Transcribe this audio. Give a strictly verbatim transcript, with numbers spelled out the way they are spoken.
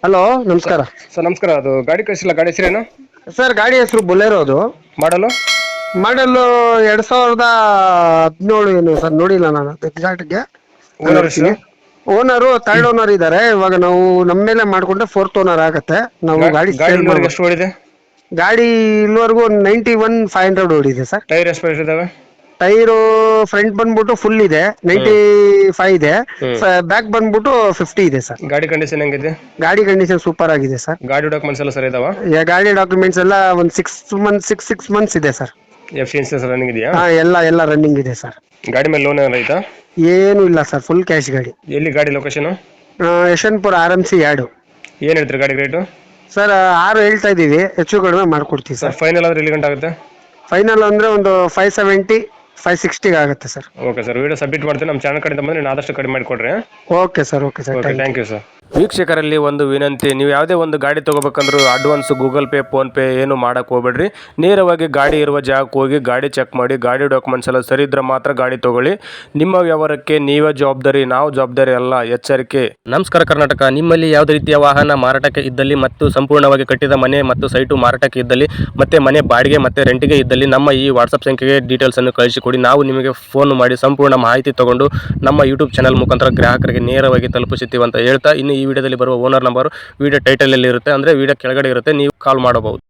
Hello, ನಮಸ್ಕಾರ sir. ನಮಸ್ಕಾರ. ಅದು ಗಾಡಿ ಕಳಿಸಿಲ್ಲ, ಗಾಡಿ ಹೆಸರೇನು? ಸರ್. ಗಾಡಿ ಹೆಸರು ಬೊಲೆರೋ. ಅದು ಮಾಡಲು ಮಾಡಲ್ ಎರಡ್ ಸಾವಿರದ ಹದಿನೇಳು ಏನು ಸರ್, ನೋಡಿಲ್ಲ ನಾನು ಎಕ್ಸಾಕ್ಟ್ಗೆ. ಓನರ್ ಎಷ್ಟು? ನೋಡ್ತೀನಿ. ಓನರು ಥರ್ಡ್ ಓನರ್ ಇದ್ದಾರೆ. ಇವಾಗ ನಾವು ನಮ್ಮ ಮೇಲೆ ಮಾಡ್ಕೊಂಡ್ರೆ ಫೋರ್ತ್ ಓನರ್ ಆಗತ್ತೆ. ನಾವು ಗಾಡಿ ಗಾಡಿ ಸೇಲ್ ಇಲ್ಲಿವರೆಗೆ ಮಾಡ್ಬೋದು. ಎಷ್ಟು ಓಡಿದೆ? ಗಾಡಿ ಇಲ್ಲಿವರೆಗೂ ನೈಂಟಿ ಒನ್ ಫೈವ್ ಹಂಡ್ರೆಡ್ ಓಡಿದೆ ಸರ್. ಟೈರ್ ಎಷ್ಟು ಪರ್ಸೆಂಟ್ ಇದಾವೆ? ಟೈರು ಫ್ರಂಟ್ ಬಂದ್ಬಿಟ್ಟು ಫುಲ್ ಇದೆ, ನೈಂಟಿ ಫೈವ್ ಇದೆ. ಬ್ಯಾಕ್ ಬಂದ್ಬಿಟ್ಟು ಫಿಫ್ಟಿ ಇದೆ ಸರ್. ಗಾಡಿ ಕಂಡೀಷನ್ ಹೆಂಗಿದೆ? ಗಾಡಿ ಕಂಡೀಷನ್ ಸೂಪರ್ ಆಗಿದೆ ಸರ್. ಗಾಡಿ ಡಾಕ್ಯುಮೆಂಟ್ಸ್ ಎಲ್ಲ ಸರಿ ಇದಾವ? ಗಾಡಿ ಡಾಕ್ಯುಮೆಂಟ್ಸ್ ಎಲ್ಲ ಒಂದು six month six six months ಇದೆ sir. F C insurance running ಇದೆಯಾ? ಹಾ, ಎಲ್ಲ ಎಲ್ಲ ರನ್ನಿಂಗ್ ಇದೆ ಸರ್. ಗಾಡಿ ಮೇಲೆ ಲೋನ್ ಏನಾರ ಐತಾ? ಏನು ಇಲ್ಲ ಸರ್, ಫುಲ್ ಕ್ಯಾಶ್ ಗಾಡಿ. ಎಲ್ಲಿ ಗಾಡಿ location? Yeshwantpur R M C ಎರಡು. ಏನು ಹೇಳ್ತೀರಿ ಗಾಡಿ ರೇಟು? ಸರ್ ಆರು ಹೇಳ್ತಾ ಇದೀವಿ, ಹೆಚ್ಚು ಕಡಿಮೆ ಮಾಡ್ಕೊಡ್ತೀವಿ ಸರ್. ಸರ್. ಫೈನಲ್ ಆದ್ರೆ ಎಲ್ಲಿ ಗಂಟೆ ಆಗುತ್ತೆ? ಫೈನಲ್ ಅಂದ್ರೆ ಒಂದು ಫೈವ್ ಸೆವೆಂಟಿ ಫೈವ್ ಸಿಕ್ಸ್ಟಿಗೆ ಆಗುತ್ತೆ sir. Okay sir, video submit ಮಾಡ್ತೀನಿ. ನಮ್ಮ ಚಾನಲ್ ಕಡೆಯಿಂದ ಬಂದರೆ ಆದಷ್ಟು ಕಡಿಮೆ ಮಾಡಿಕೊಡ್ರಿ. Okay sir. Okay sir. Okay, thank you sir. ವೀಕ್ಷಕರಲ್ಲಿ ಒಂದು ವಿನಂತಿ, ನೀವು ಯಾವುದೇ ಒಂದು ಗಾಡಿ ತೊಗೋಬೇಕಂದ್ರೂ advance Google Pay PhonePe ಏನು ಮಾಡೋಕೆ ಹೋಗ್ಬೇಡ್ರಿ. ನೇರವಾಗಿ ಗಾಡಿ ಇರುವ ಜಾಗಕ್ಕೆ ಹೋಗಿ ಗಾಡಿ ಚೆಕ್ ಮಾಡಿ, ಗಾಡಿ ಡಾಕ್ಯುಮೆಂಟ್ಸ್ ಎಲ್ಲ ಸರಿ ಇದ್ರೆ ಮಾತ್ರ ಗಾಡಿ ತೊಗೊಳ್ಳಿ. ನಿಮ್ಮ ವ್ಯವಹಾರಕ್ಕೆ ನೀವೇ ಜವಾಬ್ದಾರಿ, ನಾವು ಜವಾಬ್ದಾರಿ ಅಲ್ಲ, ಎಚ್ಚರಿಕೆ. ನಮಸ್ಕಾರ ಕರ್ನಾಟಕ. ನಿಮ್ಮಲ್ಲಿ ಯಾವುದೇ ರೀತಿಯ ವಾಹನ ಮಾರಾಟಕ್ಕೆ ಇದ್ದಲ್ಲಿ ಮತ್ತು ಸಂಪೂರ್ಣವಾಗಿ ಕಟ್ಟಿದ ಮನೆ ಮತ್ತು ಸೈಟು ಮಾರಾಟಕ್ಕೆ ಇದ್ದಲ್ಲಿ ಮತ್ತೆ ಮನೆ ಬಾಡಿಗೆ ಮತ್ತು ರೆಂಟಿಗೆ ಇದ್ದಲ್ಲಿ ನಮ್ಮ ಈ ವಾಟ್ಸಪ್ ಸಂಖ್ಯೆಗೆ ಡೀಟೇಲ್ಸನ್ನು ಕಳಿಸಿಕೊಡಿ. ನಾವು ನಿಮಗೆ ಫೋನ್ ಮಾಡಿ ಸಂಪೂರ್ಣ ಮಾಹಿತಿ ತಗೊಂಡು ನಮ್ಮ ಯೂಟ್ಯೂಬ್ ಚಾನಲ್ ಮುಖಾಂತರ ಗ್ರಾಹಕರಿಗೆ ನೇರವಾಗಿ ತಲುಪಿಸುತ್ತೀವಿ ಅಂತ ಹೇಳ್ತಾ, ಇನ್ನು ಈ ವಿಡಿಯೋದಲ್ಲಿ ಬರುವ ಓನರ್ ನಂಬರ್ ವಿಡಿಯೋ ಟೈಟಲಲ್ಲಿ ಇರುತ್ತೆ, ಅಂದರೆ ವಿಡಿಯೋ ಕೆಳಗಡೆ ಇರುತ್ತೆ, ನೀವು ಕಾಲ್ ಮಾಡಬಹುದು.